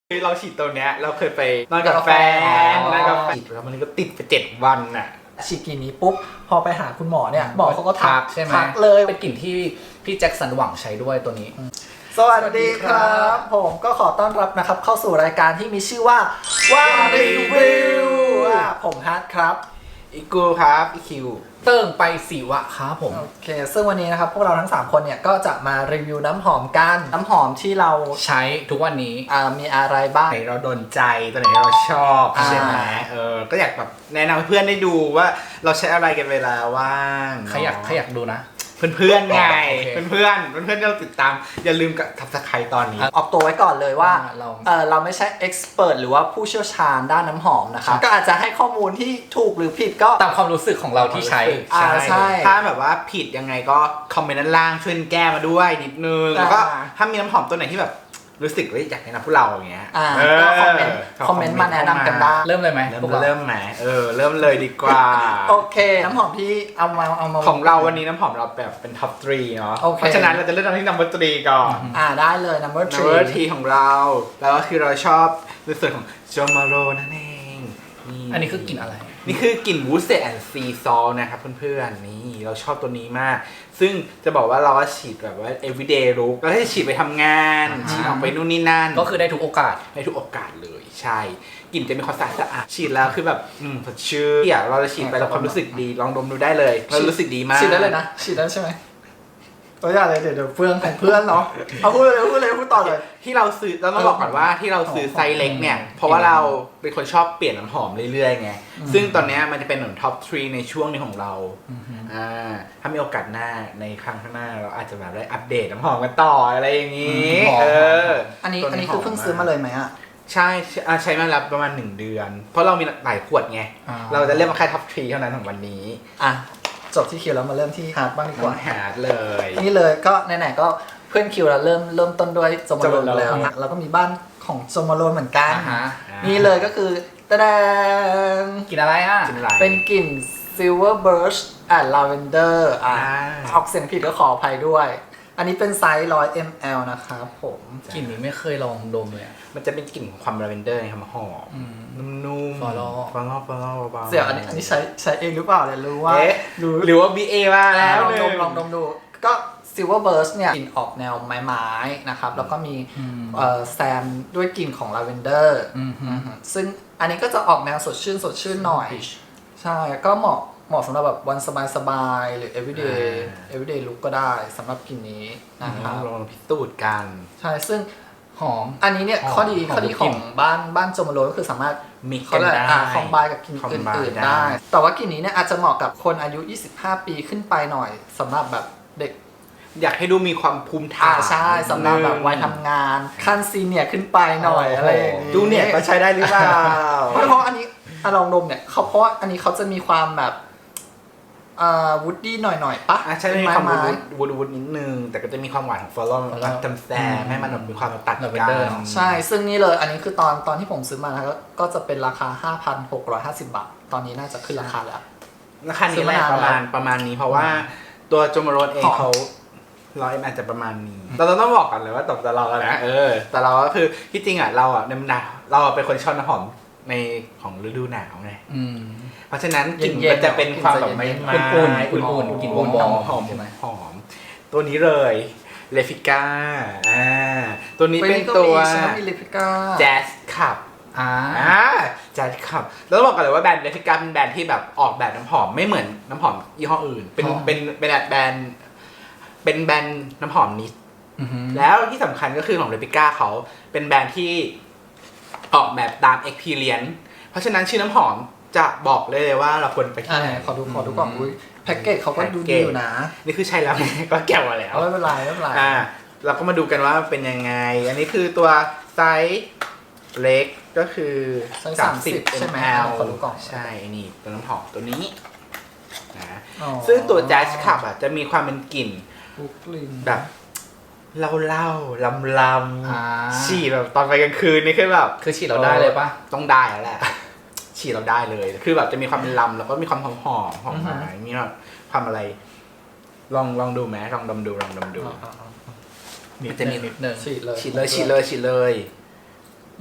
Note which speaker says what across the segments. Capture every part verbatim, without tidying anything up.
Speaker 1: คือเราฉีดตัวเนี้ยเราเคยไปนอนกับแฟนนอนกับแฟนฉีดแล้วมันก็ติดไปเจ็ดวันน่ะ
Speaker 2: ฉีดกลิ่นนี้ปุ๊บพอไปหาคุณหมอเนี่ยหมอเขาก็ทัก
Speaker 3: ใช่ไหม
Speaker 2: ทักเลย
Speaker 3: เป็นกลิ่นที่พี่แจ็คสันหวังใช้ด้วยตัวนี้
Speaker 2: สวัสดีครับผมก็ขอต้อนรับนะครับเข้าสู่รายการที่มีชื่อว่าว่ารีวิวผมฮัทครับ
Speaker 1: อีกูครับอีคิว
Speaker 3: เติ้งไปสีวะครับผม
Speaker 2: โอเคซึ่งวันนี้นะครับพวกเราทั้งสามคนเนี่ยก็จะมารีวิวน้ำหอมกันน้ำหอมที่เรา
Speaker 3: ใช้ทุกวันนี้
Speaker 2: อ่ามีอะไรบ้าง
Speaker 1: ไหนเราโดนใจตัวไหนเราชอบใช่ไหมเออก็อยากแบบแนะนำเพื่อนได้ดูว่าเราใช้อะไรกันเวลาว่าง
Speaker 3: ใครอยากใครอยากดูนะ
Speaker 1: เพื่อนๆไงเพื่อนๆเพื่อนๆที่เราติดตามอย่าลืมกับทับสไครตอนนี้
Speaker 2: ออกตัวไว้ก่อนเลยว่าเราเออเราไม่ใช่เอ็กซ์เพรสหรือว่าผู้เชี่ยวชาญด้านน้ำหอมนะครับก็อาจจะให้ข้อมูลที่ถูกหรือผิดก็
Speaker 3: ตามความรู้สึกของเราที่ใช้
Speaker 1: ใช่ถ้าแบบว่าผิดยังไงก็คอมเมนต์ด้านล่างช่วยแก้มาด้วยนิดนึงแล้วก็ถ้ามีน้ำหอมตัวไหนที่แบบรู้สึกว่าอยากแนะนำพวกเราอย่างเงี้ย
Speaker 2: ก็คอมเมนต์คอมเมนต์มาแนะนำกันได้
Speaker 3: เริ่มเลยไหม
Speaker 1: เริ่มเริ่มไหมเออเริ่มเลยดีกว่า
Speaker 2: โอเคน้ำหอมที่เอามาเอามา
Speaker 1: ของเราวันนี้น้ำหอมเราแบบเป็นท็อปทรีเนาะเพราะฉะนั้นเราจะเริ่มที่นัมเบอร์ทรีก่อน
Speaker 2: อ่าได้เลยนัมเบอร์ทรี
Speaker 1: นัมเบอร์ทรีของเราแล้วก็คือเราชอบในส่วนของโจมาโรนั่นเอง
Speaker 3: อันนี้คือกลิ่นอะไร
Speaker 1: นี่คือกลิ่นวูดเซตแอนด์ซีซอลนะครับเพื่อนๆนี่เราชอบตัวนี้มากซึ่งจะบอกว่าเราก็ฉีดแบบว่า everyday look เราให้ฉีดไปทำงานฉีดออกไปนู่นนี่นั่น
Speaker 3: ก็คือได้ทุกโอกาส
Speaker 1: ได้ทุกโอกาสเลยใช่กลิ่นจะมีความสะอาดสะอาดฉีดแล้วคือแบบอืมสดชื่นอ่ะเราจะฉีดไปแล้วความรู้สึกดีลองดมดูได้เลยเรารู้สึกดีมาก
Speaker 2: ฉีดได้เลยนะฉีดได้ใช่ไหมตัวอย่างเลยเดี๋ยวเดี๋ยวเพื่อนของเพื่อนเนาะเอาพูดเลยพูดเลยพูดต่อเลย
Speaker 1: ที่เราซื้อเราต้องบอกก่อนว่าที่เราซื้อไซส์เล็กเนี่ยเพราะว่าเราเป็นคนชอบเปลี่ยนน้ำหอมเรื่อยๆไงซึ่งตอนนี้มันจะเป็นหนึ่งท็อปทรีในช่วงนี้ของเราอ่าถ้ามีโอกาสหน้าในครั้งข้างหน้าเราอาจจะแบบได้อัปเดตน้ำหอมกันต่ออะไรอย่างนี้เออ
Speaker 2: อันนี้อันนี้คือเพิ่งซื้อมาเลยไหมอ่ะ
Speaker 1: ใช่ใช้มาแล้วประมาณหนึ่งเดือนเพราะเรามีหลายขวดไงเราจะเริ่มมาแค่ท็อปทรีเท่านั้นของวันนี้
Speaker 2: อ่ะจบที่คิวแล้วมาเริ่มที่ฮาร์ดบ้างดีกว่า
Speaker 1: ฮาร์ดเลย
Speaker 2: นี่เลยก็ไหนๆก็เพื่อนคิวเราเริ่มเริ่มต้นด้วยโจมาโรนแล้วเราก็มีบ้านของโจมาโรนเหมือนกันนี่เลยก็คือตะแดง
Speaker 3: กลิ่นอะไรอ่ะ
Speaker 2: เป็นกลิ่น Silver Birch and Lavender อ่าออกเสียงผิดก็ขออภัยด้วยอันนี้เป็นไซส์หนึ่งร้อยมิลลิลิตร นะครับผม
Speaker 3: กลิ่นนี้ไม่เคยลองดมเลย
Speaker 1: มันจะเป็นกลิ่นของความลาเวนเดอร์หอมหอมนุ่มๆ
Speaker 3: ฟอลล์
Speaker 1: ฟอลล์ฟอลล์เบา
Speaker 2: ๆเสี่ยวอันนี้อันนี้ใช้ใช้เองหรือเปล่าเนี่ยรู้ว่า
Speaker 1: หรือว่า บี เอ มาแล้ว
Speaker 2: ลองดมลองดมดูก็ Silver Birch เนี่ยกลิ่นออกแนวไม้ๆนะครับแล้วก็มีแซมด้วยกลิ่นของลาเวนเดอร์ซึ่งอันนี้ก็จะออกแนวสดชื่นสดชื่นหน่อยใช่ก็เหมาะเหมาะสำหรับแบบวันสบายๆหรือ everyday everyday look ก็ได้สำหรับกลิ่นนี้นะครับ
Speaker 1: ลองพิสูจน์กัน
Speaker 2: ใช่ซึ่ง
Speaker 3: หอม
Speaker 2: อันนี้เนี่ยข้อดีข้อดีของบ้านบ้านโจมาโรก็คือสามารถ
Speaker 1: มิกกันได้
Speaker 2: คอมไบกับกลิ่นอื่นๆได้แต่ว่ากลิ่นนี้เนี่ยอาจจะเหมาะกับคนอายุยี่สิบห้าปีขึ้นไปหน่อยสำหรับแบบเด็ก
Speaker 1: อยากให้ดูมีความภูมิฐาน
Speaker 2: ใช่สำหรับแบบวัยทำงานขั้นซีเนียร์ขึ้นไปหน่อยอะไรอย่างนี้
Speaker 1: ดูเนี่ยก็ใช้ได้หรือเปล่า
Speaker 2: เพราะอันนี้ลองดมเนี่ยเขาเพราะอันนี้เขาจะมีความแบบอ่าวูดดี้หน่อยๆปะ
Speaker 1: ใช่มีความวูดวูดนิดนึงแต่ก็จะมีความหวานของฟลอรัลรักจำแซมให้มันมีความตัดกัน
Speaker 2: ใช่ซึ่งนี่เลยอันนี้คือตอนตอนที่ผมซื้อมาแล้วก็จะเป็นราคา ห้าพันหกร้อยห้าสิบ บาทตอนนี้น่าจะขึ้นราคาแล้ว
Speaker 1: ราคานี้แหละประมาณประมาณนี้เพราะว่าตัวโจมาโรนเองเขาร้อยอาจจะประมาณนี้เราต้องบอกกันเลยว่าตบแต่เราแล้วนะเออแต่เราก็คือที่จริงอ่ะเราอ่ะในหนาวเราเป็นคนชอบน้ำหอมในของฤดูหนาวไงเพราะฉะนั้นกลิ่นมันจะเป็นความแบบไม่ไม่
Speaker 3: อุ่นอุ่นอุ่นกลิ่นหอมหอม
Speaker 1: ใช่ไหมหอมตัวนี้เลยเลฟิก้าอ่าตัวนี้เป็นตัวแจ๊สคับอ่าแจ๊สคับแล้วต้องบอกกันเลยว่าแบรนด์เลฟิก้าเป็นแบรนด์ที่แบบออกแบบน้ำหอมไม่เหมือนน้ำหอมยี่ห้ออื่นเป็นเป็นเป็นแบรนด์เป็นแบรนด์น้ำหอมนิดแล้วที่สำคัญก็คือของเลฟิก้าเขาเป็นแบรนด์ที่ออกแบบตาม experience เพราะฉะนั้นชื่อน้ำหอมจะบอกเลยว่าเราควรไปที่ไหน
Speaker 2: ขอดูขอดูก่อนอุ้ยแพ็กเกจเขาก็ดูดีอยู่นะ
Speaker 1: นี่คือใช่แล้วก็แก้วมาแล้ว
Speaker 2: ไม่เป็นไรไม่เป็นไร
Speaker 1: อ่าเราก็มาดูกันว่าเป็นยังไงอันนี้คือตัวไซส์เล็กก็คือ
Speaker 2: สามสิบใช่ไหมขอดูก่อน
Speaker 1: ใช่นี่ตัวน้ำหอมตัวนี้นะซึ่งตัวแจ๊สคับอ่ะจะมีความเป็นกลิ่นแบบเล่าเล่าลำลำฉี่แบบตอนไปกลางคืนนี่คือแบบ
Speaker 3: คือฉี่เราได้เลยปะ
Speaker 1: ต้องได้แล้วแหละฉี่เราได้เลยคือแบบจะมีความเป็นลำแล้วก็มีความหอมหอมหอมไม้มีความอะไรลองลองดูไหมลองดมดูลองดมดู
Speaker 3: มันจะมีนิดนึง
Speaker 1: ฉีดเลยฉีดเลยฉีดเลยฉีดเลย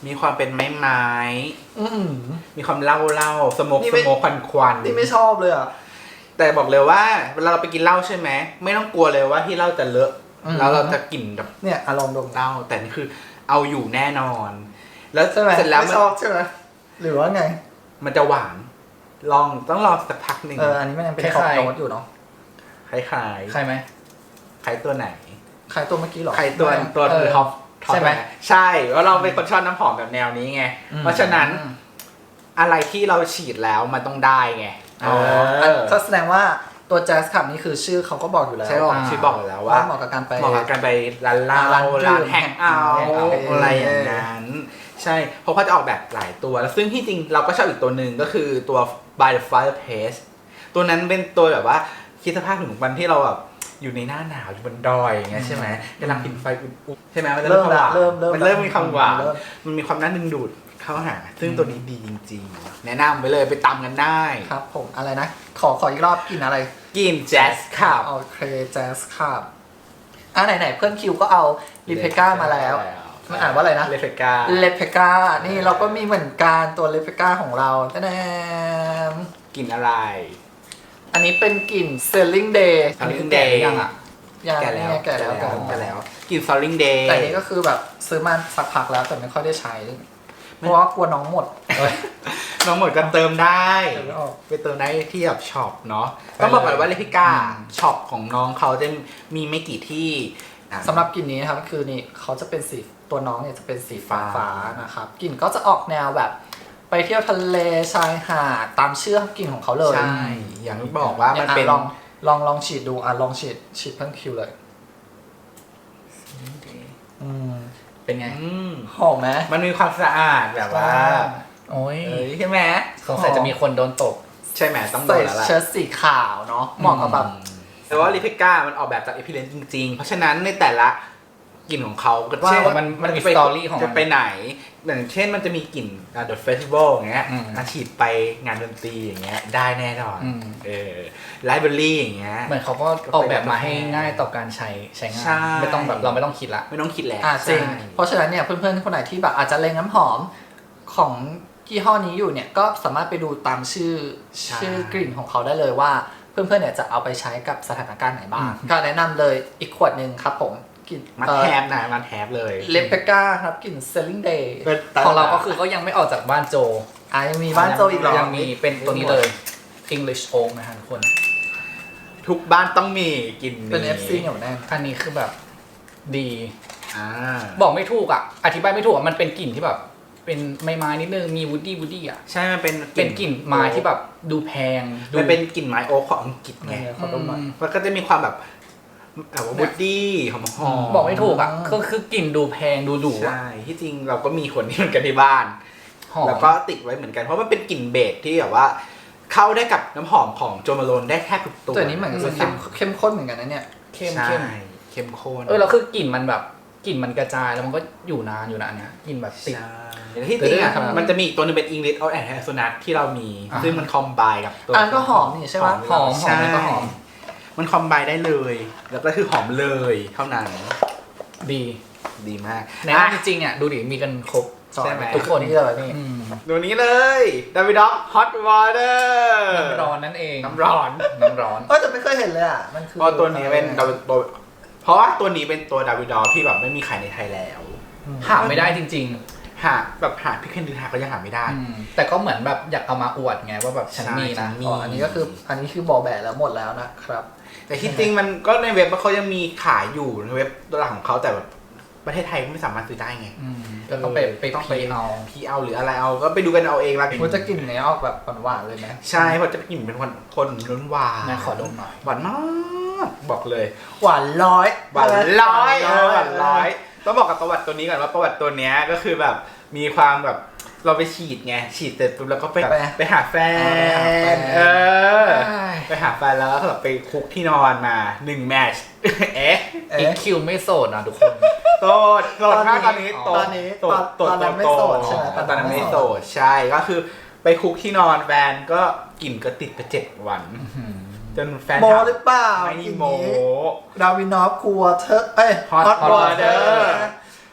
Speaker 1: มีความเป็นไม้ไม้
Speaker 2: อืม
Speaker 1: มีความเล่าเล่าสโมก
Speaker 2: นี่
Speaker 1: ส
Speaker 2: ไม่
Speaker 1: โมกควันควัน
Speaker 2: นี่ไม่ชอบเลยอ่ะ
Speaker 1: แต่บอกเลยว่าเวลาเราไปกินเหล้าใช่ไหมไม่ต้องกลัวเลยว่าที่เหล้าจะเลอะ
Speaker 2: อืม
Speaker 1: แล้วเราจะกลิ่นแบบ
Speaker 2: เนี่ยอารมณ์ดม
Speaker 1: เหล้าแต่นี่คือเอาอยู่แน่นอน แล้ว
Speaker 2: ใช่ไหม
Speaker 1: เสร็จแล้ว
Speaker 2: ไม่
Speaker 1: มัน
Speaker 2: ชอบใช่ไหมหรือว่าไง
Speaker 1: มันจะหวานลองต้องลองสักพักหนึ่ง
Speaker 2: เอออันนี้มันยังเป็นท็อปโน้ตอยู่เนาะ
Speaker 1: คล้ายคล้าย
Speaker 3: ใครไหม
Speaker 1: คล้ายตัวไหน
Speaker 2: ใครตัวเมื่อกี้เหรอ
Speaker 1: ใครตัว
Speaker 2: ไม่
Speaker 1: ตัว
Speaker 3: เออ
Speaker 1: คือท็อปท็อป
Speaker 3: ใช่ไหม
Speaker 1: นะใช่เพราะเราเป็นคนชอบน้ำหอมแบบแนวนี้ไง
Speaker 2: อืม
Speaker 1: เพราะฉะนั้นอะไรที่เราฉีดแล้วมันต้องได้ไง
Speaker 2: อ๋อ
Speaker 1: เออ
Speaker 2: ก็แสดงว่าตัวแจ๊สคลับนี่คือชื่อเขาก็บอกอยู่แล้ว
Speaker 1: ใช่บอกชื่อบอกอยู่แล้วว่า
Speaker 2: เหมาะกับการไป
Speaker 1: เหมาะกับการไปร้านเหล้า
Speaker 2: ร้านดื่ม
Speaker 1: ร้านแฮงเอาท์
Speaker 2: แฮงเอาท์
Speaker 1: อะไรอย่างนั้น ใช่เพราะเขาจะออกแบบหลายตัวแล้วซึ่งที่จริงเราก็ชอบอีกตัวหนึ่งก็คือตัว by the fireplace ตัวนั้นเป็นตัวแบบว่าคิดสภาพถึงวันที่เราแบบอยู่ในหน้าหนาวอยู่บนดอยอย่างเงี้ยใช่ไหมกำลังผิงไฟอุ่นๆใช่ไหมมันจะ
Speaker 2: เริ่ม
Speaker 1: ความห
Speaker 2: ละ
Speaker 1: วาน
Speaker 2: เริ่มเริ่ม
Speaker 1: มันเริ่มมีความหวาน
Speaker 2: เริ่ม
Speaker 1: มันมีความน่าดึงดูดเข้าหา ซึ่งตัวนี้ดีจริงๆ แนะนำไปเลยไปตำกันได้
Speaker 2: ครับผมอะไรนะ ขอขออีกรอบกินอะไร
Speaker 1: กินแจ๊สครับ
Speaker 2: โอเคแจ๊สครับอ่ะไหนๆเพื่อนคิวก็เอาลิเพก้ามาแล้ว มันอ่านว่าอะไรนะ
Speaker 1: เลเฟกา
Speaker 2: เลเพก้านี่เราก็มีเหมือนกันตัวเลเพก้าของเราแน่ม
Speaker 1: กินอะไร
Speaker 2: อันนี้เป็นกลิ่น Selling Day
Speaker 1: Selling Day
Speaker 3: ยังอ่ะ
Speaker 2: ยัง
Speaker 1: แก่แล้ว
Speaker 2: เนี่ยแก่แล้ว
Speaker 1: แก่
Speaker 2: แก่
Speaker 1: แล้ว
Speaker 2: แล้ว
Speaker 1: กิน Soling Day
Speaker 2: แต่อันนี้ก็คือแบบซื้อมาสักพักแล้วแต่ไม่ค่อยได้ใช้ เพราะว่ากลัวน้องหมด
Speaker 1: น้องหมดก็เติมได้
Speaker 2: เติมไม่ออก
Speaker 1: ไปเติมได้ที่แบบช็อปเนาะต้องบอกก่อนว่าเลพิก้าช็อปของน้องเขาจะมีไม่กี่ที่อ่ะ
Speaker 2: สำหรับกลิ่นนี้นะครับคือนี่เขาจะเป็นสีตัวน้องเนี่ยจะเป็นสีฟ้า
Speaker 1: ฟ้า
Speaker 2: ฟ้านะครับกลิ่นก็จะออกแนวแบบ ไปเที่ยวทะเลชายหาดตามชื่อกลิ่นของเขาเลย
Speaker 1: ใช่อย่างที่บอกว่ามัน
Speaker 2: อ่ะ
Speaker 1: เป็น
Speaker 2: ลองลองลองฉีดดูอ่ะลองฉีดฉีดเพิ่มคิวเลยอืม
Speaker 3: เป็นไง
Speaker 1: อืม
Speaker 2: หอมไหม
Speaker 1: มันมีความสะอาดแบบว่า
Speaker 3: โอ้ย
Speaker 1: เอ้ยใช่ไหม
Speaker 3: สงสัยจะมีคนโดนตก
Speaker 1: ใช่ไหมต้องโด
Speaker 2: ใส่
Speaker 1: นแล้วแหละ
Speaker 2: เชิ้ตสีขาวเนาะเหมาะกับแบบ
Speaker 1: แต่ว่าลิพิก้ามันออกแบบจากเอพิเลนจริงๆ เพราะฉะนั้นในแต่ละกลิ่นของเขาก็
Speaker 3: ว่า
Speaker 1: เช่น
Speaker 3: มันมันมี
Speaker 1: จะไป
Speaker 3: สตอรี่ของมัน
Speaker 1: จะไปไหนอย่างเช่นมันจะมีกลิ่นอ่า The Festival อย่างเงี้ย
Speaker 3: อืม
Speaker 1: อาฉีดไปงานดนตรีอย่างเงี้ยได้แน่นอน
Speaker 3: อืม
Speaker 1: เออไลบรารีอย่างเงี้ย
Speaker 3: เหมือนเขาก็ออกแบบมาให้ง่ายต่อการใช้ใช้งา
Speaker 1: ใช่
Speaker 3: นไม่ต้องแบบเราไม่ต้องคิดละ
Speaker 1: ไม่ต้องคิดแล้ว
Speaker 2: อ่ะจริง
Speaker 1: ใช่
Speaker 2: เพราะฉะนั้นเนี่ยเพื่อนๆคนไหนที่แบบอาจจะเล็งน้ำหอมของยี่ห้อนี้อยู่เนี่ยก็สามารถไปดูตามชื่อ
Speaker 1: ใช่
Speaker 2: ชื่อกลิ่นของเขาได้เลยว่าเพื่อนๆเนี่ยจะเอาไปใช้กับสถานการณ์ไหนบ้างก็แนะนำเลยอีกขวดหนึ่งครับผมกลิ่น
Speaker 1: มา
Speaker 2: เอ่อ
Speaker 1: แทบนะมาแทบเลย
Speaker 2: เลปเปก้าครับกลิ่น Selling Day
Speaker 3: ของเราก็คือก็ยังไม่ออกจากบ้านโจ
Speaker 2: อ่ะยังมีบ้านโจอีกเหรอ
Speaker 3: ยังมีเป็นตัวนี้เลย English Oak นะฮะทุกคน
Speaker 1: ทุกบ้านต้องมีกลิ่นนี้
Speaker 2: เป็น เอฟ ซี เหนียวแน่น
Speaker 3: อันนี้คือแบบดี
Speaker 1: อ่า
Speaker 3: บอกไม่ถูกอ่ะ อธิบายไม่ถูกอ่ะ มันเป็นกลิ่นที่แบบ เป็นไม้ไม้นิดนึง มีวูดดี้วูดดี้อ่ะ
Speaker 1: ใช่มันเป็น
Speaker 3: เป็นกลิ่นไม้ที่แบบดูแพงดู
Speaker 1: มันเป็นกลิ่นไม้โอ๊คของอังกฤษไง
Speaker 2: เนี่ยขอดมหน่อย
Speaker 1: มันก็จะมีความแบบแบบว่าบูดดี้หอมหอม
Speaker 3: บอกไม่ถูกอ่ะก็คือกลิ่นดูแพงดูหรูอ่ะ
Speaker 1: ใช่ที่จริงเราก็มีคนนี้เหมือนกันที่บ้าน
Speaker 3: หอม
Speaker 1: แล้วก็ติดไว้เหมือนกันเพราะมันเป็นกลิ่นเบสที่แบบว่า เข้าได้กับน้ำหอมของโจมาโลนได้แทบทุกตัว
Speaker 2: ตัวนี้เหมือนจะเข้มเข้มข้นเหมือนกันนะเนี่ย
Speaker 3: เข้ม
Speaker 1: ใช่
Speaker 3: เข้ม
Speaker 1: เข้มข้น
Speaker 3: เออแล้วคือกลิ่นมันแบบกลิ่นมันกระจายแล้วมันก็อยู่นานอยู่นะอันเนี้ยกลิ่นแบบติด
Speaker 1: ใช่แล้วที่จริงอ่ะ
Speaker 3: แต่ด้วย
Speaker 1: มันจะมีอีกตัวหนึงเป็นอิงลิชออแอนด์แฮสนัทที่เรามี
Speaker 3: อ่า
Speaker 1: ซึ่งมันคอมไบกับตัว
Speaker 2: อันก็หอมนี่ใช่ปะ
Speaker 3: หอมหอมแล้วก็หอม
Speaker 1: มันคอมไบได้เลย แล้วก็คือหอมเลยเท่านั้น
Speaker 3: ดี
Speaker 1: ดีมาก
Speaker 3: แนะนำจริงๆอ่ะดูดิมีกันครบ
Speaker 1: ใช่ไหม
Speaker 2: ทุกคนนี่เลยนี่
Speaker 3: อืม
Speaker 1: ตัวนี้เลยดาวิดอกฮอตวอเตอร์
Speaker 3: น้ำร้อนนั่นเอง
Speaker 1: น้ำร้อน
Speaker 3: น้ำร้อน
Speaker 2: เออแต่ไม่เคยเห็นเลยอ่ะมันคือ
Speaker 1: เพราะตัวนี้เป็นดาวิดตัวเพราะว่าตัวนี้เป็นตัวดาวิดอที่แบบไม่มีขายในไทยแล้ว
Speaker 3: หาไม่ได้จริง
Speaker 1: หาแบบหาพี่เคนดูหาก็ยังหาไม่ได้
Speaker 3: ๆอืมแต่ก็เหมือนแบบอยากเอามาอวดไงว่าแบบฉันมี
Speaker 1: ใช่ฉั
Speaker 3: นะ
Speaker 1: นมี
Speaker 2: อ๋ออันนี้ก็คืออันนี้คือบอแบะแล้วหมดแล้วนะครับ
Speaker 1: แต่ที่จริงมันก็ในเว็บเขายังมีขายอยู่ในเว็บตัวหลักของเขาแต่แบบประเทศไทยไม่สามารถซื้อได้ไง
Speaker 3: อืมก็ต้องไปไป
Speaker 1: ต้องไป
Speaker 3: พีเอา
Speaker 1: พีเอาหรืออะไรเอาก็ไปดูกันเอาเองละ
Speaker 2: มันจะกลิ่นเนี้ยออกแบบหวานๆเลยไหม
Speaker 1: ใช่เพราะจะกลิ่นเป็นคนคนล้นหวาน
Speaker 3: นะขอดมหน่อย
Speaker 1: หวานมากบอกเลย
Speaker 2: หวานร้อย
Speaker 1: หวานร้อยเออหวานร้อยต้องบอกกับประวัติตัวนี้ก่อนว่าประวัติตัวเนี้ยก็คือแบบมีความแบบเราไปฉีดไงฉีดเสร็จปุ๊บแล้วก็ไปไปหาแฟนเออไปหาแฟนแล้วก็แบบไปคุกที่นอนมาหนึ่งแมชเอ๊ะ
Speaker 3: อีก
Speaker 2: เอ๊ะ
Speaker 3: คิวไม่โสดนะทุกคน
Speaker 1: โสดโสดมากตอนนี้โส
Speaker 2: ตอ
Speaker 1: ด
Speaker 2: นนี้
Speaker 1: โสด
Speaker 2: ตอนนั้นไม่โสดใช่ไหม
Speaker 1: ตอนนั้นไม่โสดใช่ก็คือไปคุกที่นอนแฟนก็กลิ่นก็ติดไปเจ็ดวันจนแฟน
Speaker 2: โม
Speaker 1: ถาม
Speaker 2: หรือเปล่า
Speaker 1: ไม่
Speaker 2: กลิ่น
Speaker 1: โม
Speaker 2: นี้ดาวินอฟคูวเทอร์เอ้ย
Speaker 1: Hot
Speaker 2: Hot
Speaker 1: Water
Speaker 2: Water ติดเจ็ด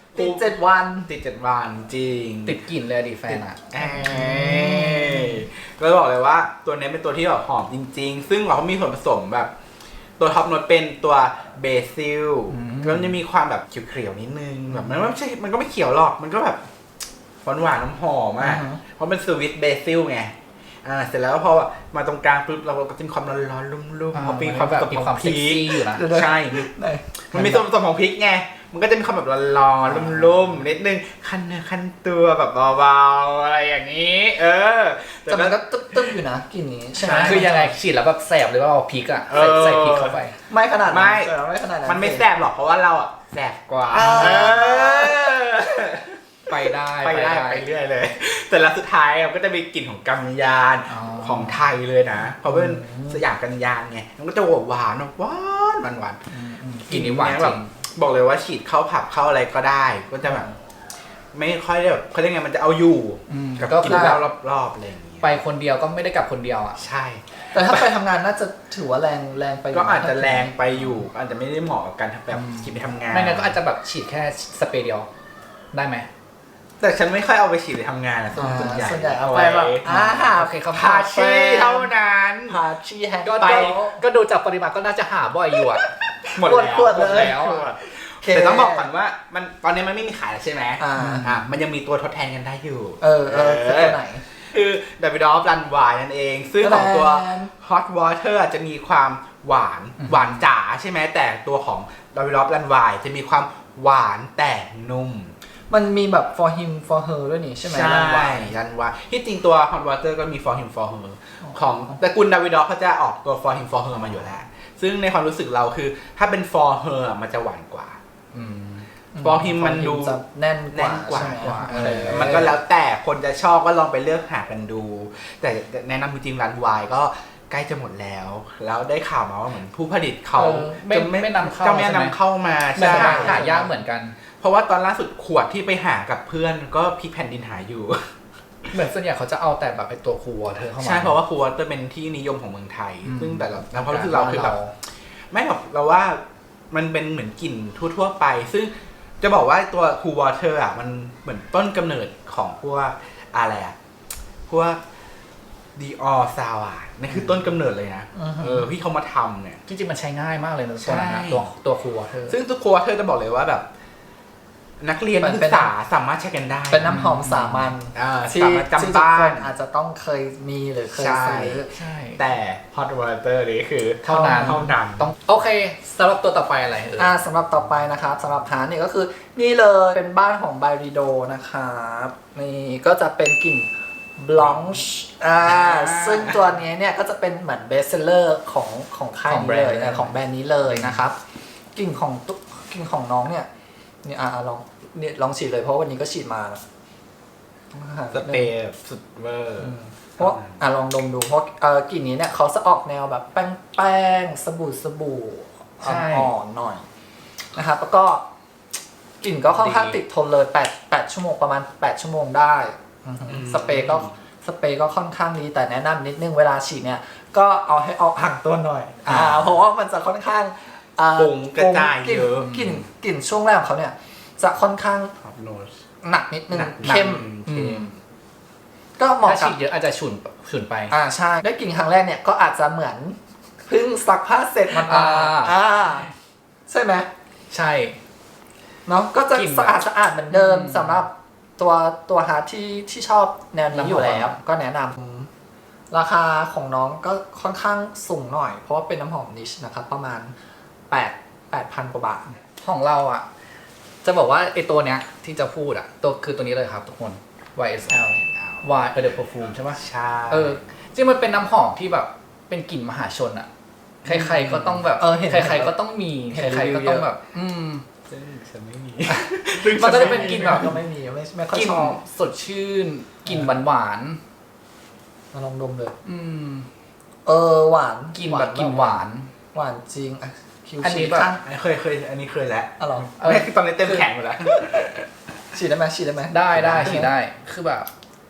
Speaker 2: ดวัน
Speaker 1: ติดเจ็ดวันจริง
Speaker 3: ติดกลิ่นเลยอะดิแฟนอ่ะ
Speaker 1: เอ้ยก็บอกเลยว่าตัวนี้เป็นตัวที่แบบหอมจริง ๆ ซึ่งเราก็มีส่วนผสมแบบ ตัวท็อปโน้ตเป็นตัวเบซิลแล้วมันจะมีความแบบเขียวๆนิดนึงแบบมันไม่ใช่มันก็ไม่เขียวหรอกมันก็แบบหวานหวานน้ำหอมอ่ะเพราะเป็นสวิตเบซิลไงอ่าเสร็จแล้วพอมาตรงกลางปุ๊บเราก็จะมีความร้อนๆลุ่มๆเพราะมีความ
Speaker 3: แบบ
Speaker 1: ผสม
Speaker 3: มี
Speaker 1: ข
Speaker 3: ควา
Speaker 1: อ
Speaker 3: ม
Speaker 1: งพ
Speaker 3: เซ็ก
Speaker 1: ริก
Speaker 3: ซี่อยู่นะ
Speaker 1: ใช่ มันมีส่วนผสมของพริกไง มันก็จะมีความแบบร้อนๆลุ่มๆนิดนึงคันเนื้อคันตัวแบบเบาๆอะไรอย่างนี้ เออ
Speaker 2: แต่มันก็ตึ๊บๆอยู่นะกลิ่นนี้ใช่ไหม
Speaker 3: คือยังไงฉีดแล้วแบบแสบหรือว่าเอาพริกอ่ะ
Speaker 1: เอ
Speaker 3: ใส่
Speaker 1: อ
Speaker 3: ใส่พริกเข้าไป
Speaker 2: ไม่ขนาดนั้น
Speaker 1: ไม่
Speaker 2: แต่ไม่ขนาดนั้น
Speaker 1: มันไม่แสบหรอกเพราะว่าเราอ่ะแสบกว่า
Speaker 2: อ่า
Speaker 1: เออ
Speaker 3: ไปได้
Speaker 1: ไปได้ไปเรื่อยเลย แต่ละสุดท้ายมันก็จะมีกลิ่นของกัญญาณ
Speaker 3: อ๋อ
Speaker 1: ของไทยเลยนะ เพราะเป็นสยามกัญญาณไง มันก็จะหวานหวานหวานหวาน
Speaker 3: กลิ่นนี้หวานจ
Speaker 1: แบ
Speaker 3: ริ
Speaker 1: บ
Speaker 3: ง
Speaker 1: บอกเลยว่าฉีดเข้าผับเข้าอะไรก็ได้ ก็จะแบบไม่ค่อยได้แบบเขาเรียกไงมันจะเอาอยู่
Speaker 3: อืม
Speaker 1: กับ
Speaker 3: ก็
Speaker 1: กลิ่นเหล้ารอบๆอะไรอย่างเงี้ย
Speaker 3: ไปคนเดียวก็ไม่ได้กลับคนเดียวอ่ะ
Speaker 1: ใช่
Speaker 2: แต่ถ้าไปทำงานน่าจะถือว่าแรงแรงไปยู่
Speaker 1: ก็อาจจะแรงไปอยู่ อาจจะไม่ได้เหมาะกับการแบบฉีดไปทำงาน
Speaker 3: ไม่งั้นก็อาจจะแบบฉีดแค่สเปรย์เดียวได้ไหม
Speaker 1: แต่ฉันไม่ค่อยเอาไปฉีดไปทำงานนะ
Speaker 2: อ่า
Speaker 1: ส่วนใหญ่
Speaker 2: ส่วนใหญ่เอาไปแบบอ่า
Speaker 3: โอเคครับ
Speaker 1: พาชีเท่านั้น
Speaker 2: พาชีแฮง
Speaker 3: ก็
Speaker 2: ไป
Speaker 3: ก็ก็ดูจากปริมาณก็น่าจะหาบ่อยอยู่อ่ะ
Speaker 1: หมดแล้ว
Speaker 2: ขวดๆเลย
Speaker 1: หมดแล้วอะแต่ต้องบอกก่อนว่ามันตอนนี้มันไม่มีขายแล้วใช่ไหม
Speaker 2: อ่า
Speaker 1: อ่ามันยังมีตัวทดแทนกันได้อยู่
Speaker 2: เออเออคือตัวไหน
Speaker 1: คือดับบิดอฟรันวายนั่นเอง ซึ่งของตัว Hot Water จะมีความหวานหวานจ๋าใช่ไหมแต่ตัวของดับบิดอฟรันวายจะมีความหวานแต่นุ่ม
Speaker 2: มันมีแบบ for him for her ด้วยนี่ใช่ไหม
Speaker 1: ใช่
Speaker 2: รันวาย
Speaker 1: รันวายที่จริงตัว Hot Water ก็มี For Him For Her ของตระกูลดับบิดอฟเขาจะออกตัว For Him For Her มาอยู่แล้ว ซึ่งในความรู้สึกเราคือถ้าเป็น For Her อะมันจะหวานกว่า
Speaker 3: อืม
Speaker 1: For Him มันดู
Speaker 2: จะแน่นก
Speaker 1: แน่
Speaker 2: ว่าน
Speaker 1: กว่า
Speaker 2: ใช่ไหม
Speaker 1: เออมันก็แล้วแต่คนจะชอบก็ลองไปเลือกหากันดู แต่แนะนำจริงๆรันวายก็ใกล้จะหมดแล้ว แล้วได้ข่าวมาว่าเหมือนผู้ผลิตเขา
Speaker 3: เออไม่
Speaker 1: จะ
Speaker 3: ไม่นำเข้า
Speaker 1: จะไม่
Speaker 3: ใช่ไหม
Speaker 1: นำเข้ามา
Speaker 3: แต่
Speaker 1: ใช่
Speaker 3: หาหายากเหมือนกัน
Speaker 1: เพราะว่าตอนล่าสุดขวดที่ไปหากับเพื่อนก็พลิกแผ่นดินหาอยู่
Speaker 3: เหมือนส่วนใหญ่เขาจะเอาแต่แบบไอตัวคูวอเธอเข้ามา
Speaker 1: ใช่เพราะว่าครูวอเตอร์เป็นที่นิยมของเมืองไทย
Speaker 3: อืม
Speaker 1: ซึ่งแต่เราเราความรู้สึกเราคือแบบไม่หรอกเราว่ามันเป็นเหมือนกลิ่นทั่วๆไป ซึ่งจะบอกว่าตัวครูวอเตอร์อ่ะมันเหมือนต้นกำเนิดของพวกอะไรอ่ะพวกดีออซาวอ่ะนั่นคือต้นกำเนิดเลยนะเออที่เขามาทำเนี่ย
Speaker 3: จริงๆมันใช้ง่ายมากเลยนะ
Speaker 1: ใช่
Speaker 3: ตัวนั้นนะตัวตัวคูวอเธอ
Speaker 1: ซึ่งตัวครูวอเตอร์จะบอกเลยว่าแบบ นักเรียนนักศึกษาสามารถใช้กันได้
Speaker 2: เป็นน้ำหอมสามัญ
Speaker 1: อ่า
Speaker 2: ที่
Speaker 1: สามารถ
Speaker 2: ที่
Speaker 1: จำ
Speaker 2: ทุก
Speaker 1: บ้า
Speaker 2: คน นอาจจะต้องเคยมีหรือเคย
Speaker 1: ใช่
Speaker 2: ซื้อ
Speaker 3: ใช่
Speaker 1: แต่ Hot Water นี่คือ
Speaker 3: เท่านั้น
Speaker 1: เท่านั้น
Speaker 3: ต้องโอเคสำหรับตัวต่อไปอะไรเออ
Speaker 2: อ่าสำหรับต่อไปนะครับสำหรับฮาร์ดเนี่ยก็คือนี่เลยเป็นบ้านของไบริโดนะครับนี่ก็จะเป็นกลิ่นบลองช์อ่าซึ่งตัวนี้เนี่ยก็จะเป็นเหมือนเบสเซลเลอร์ของของค่ายนี้เลยนะของแบรนด์นี้เลยนะครับกลิ่นของตุ๊กกลิ่นของน้องเนี่ยนี่อ่าลองเนี่ยลองฉีดเลยเพราะวันนี้ก็ฉีดมานะ
Speaker 1: สเปรย์แบบสุดเวอร์
Speaker 2: เพราะอ่ะลองดมดูเพราะเอ่อกลิ่นนี้เนี่ยเขาจะออกแนวแบบแป้งแป้งๆสบู่สบู่
Speaker 3: ใช่
Speaker 2: อ่อนๆหน่อยนะครับแล้วก็กลิ่นก็ค่อนข้างติดทนเลยแปด แปดชั่วโมงประมาณแปดชั่วโมงได้อือฮึสเปรย์ก็สเปรย์ก็ค่อนข้างดีแต่แนะนำนิดนึงเวลาฉีดเนี่ยก็เอาให้เอาห่างตัวหน่อยอ่าเพราะว่ามันจะค่อนข้างอ่า
Speaker 1: ฟุ้งกระจาย
Speaker 2: กลิ่น
Speaker 1: เยอะ
Speaker 2: กลิ่นกลิ่นช่วงแรกของเขาเนี่ยจะค่อนข้าง
Speaker 1: ครับโนส
Speaker 2: หนักนิดนึง
Speaker 1: หนัก
Speaker 2: เข้ม
Speaker 1: เข้ม
Speaker 2: ก็เหมาะ
Speaker 3: ถ้า
Speaker 2: กับ
Speaker 3: ฉีดเยอะอาจจะฉุนฉุนไป
Speaker 2: อ่าใช่ได้กลิ่นครั้งแรกเนี่ยก็อาจจะเหมือนเพิ่งซักผ้าเสร็จมันมา
Speaker 3: อ่า
Speaker 2: อ่าใช่ไหม
Speaker 3: ใช่
Speaker 2: เนาะก็จะ
Speaker 3: กลิ่น
Speaker 2: สะอาดสะอาดเหมือนเดิม
Speaker 3: อืม
Speaker 2: สำหรับตัวตัวฮาร์ทที่ที่ชอบแนวนี้อยู่แล้ว
Speaker 3: น้ำหอม
Speaker 2: ก็แนะนำราคาของน้องก็ค่อนข้างสูงหน่อย เพราะว่าเป็นน้ำหอมนิชนะครับ ประมาณแปด แปดพันกว่าบาท
Speaker 3: ของเราอ่ะ จะบอกว่าไอตัวเนี้ยที่จะพูดอ่ะตัวคือตัวนี้เลยครับทุกคน วาย เอส แอล Y เออเดอะ perfume ใช่ปะ
Speaker 1: ใช่
Speaker 3: เออจริงมันเป็นน้ำหอมที่แบบเป็นกลิ่นมหาชนอ่ะ ใครๆก็ต้องแบบ
Speaker 2: เออเห็น
Speaker 3: ใครๆก็ต้องมี
Speaker 2: เห็น
Speaker 3: ใครๆก็
Speaker 2: รีวิวเยอะ
Speaker 3: ต้องแบบ อืม
Speaker 1: ซึ่งฉันไม่มี
Speaker 3: มันก็จะเป็นกลิ่นแบบ
Speaker 2: ก็ไม่มีไม่ไม่ค่อย
Speaker 3: กลิ่น
Speaker 2: ชอบ
Speaker 3: สดชื่นกลิ่นหวาน
Speaker 2: มาลองดมเลย
Speaker 3: ๆอืม
Speaker 2: เออหวาน
Speaker 3: กลิ่นแบบกลิ่นหวาน
Speaker 2: หวานจริงอ่ะคิว
Speaker 3: อันนี้
Speaker 2: ฉีด
Speaker 3: แบบ
Speaker 2: ข้าง
Speaker 1: เคยเคยอันนี้เคยแล้ว
Speaker 2: อ๋อเหรอ
Speaker 3: เออ
Speaker 1: ไม่คือตอนนี้เต็มแข็งหมดแล้ว
Speaker 2: ฉีดได้ไหมฉีดได้ไหม
Speaker 3: ได้ได้ฉีดได้คือแบบ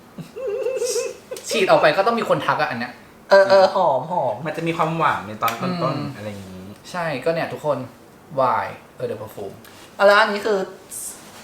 Speaker 3: ฉีดออกไปก็ต้องมีคนทักอะอันเนี้ย
Speaker 2: เออเออหอมหอม
Speaker 1: มันจะมีความหวานในตอน
Speaker 3: อื
Speaker 1: ต้น
Speaker 3: ม
Speaker 1: ๆอะไรอย่างนี้
Speaker 3: ใช่ก็เนี่ยทุกคน Y เออเดอะ perfume
Speaker 2: อะแล้วอันนี้คือ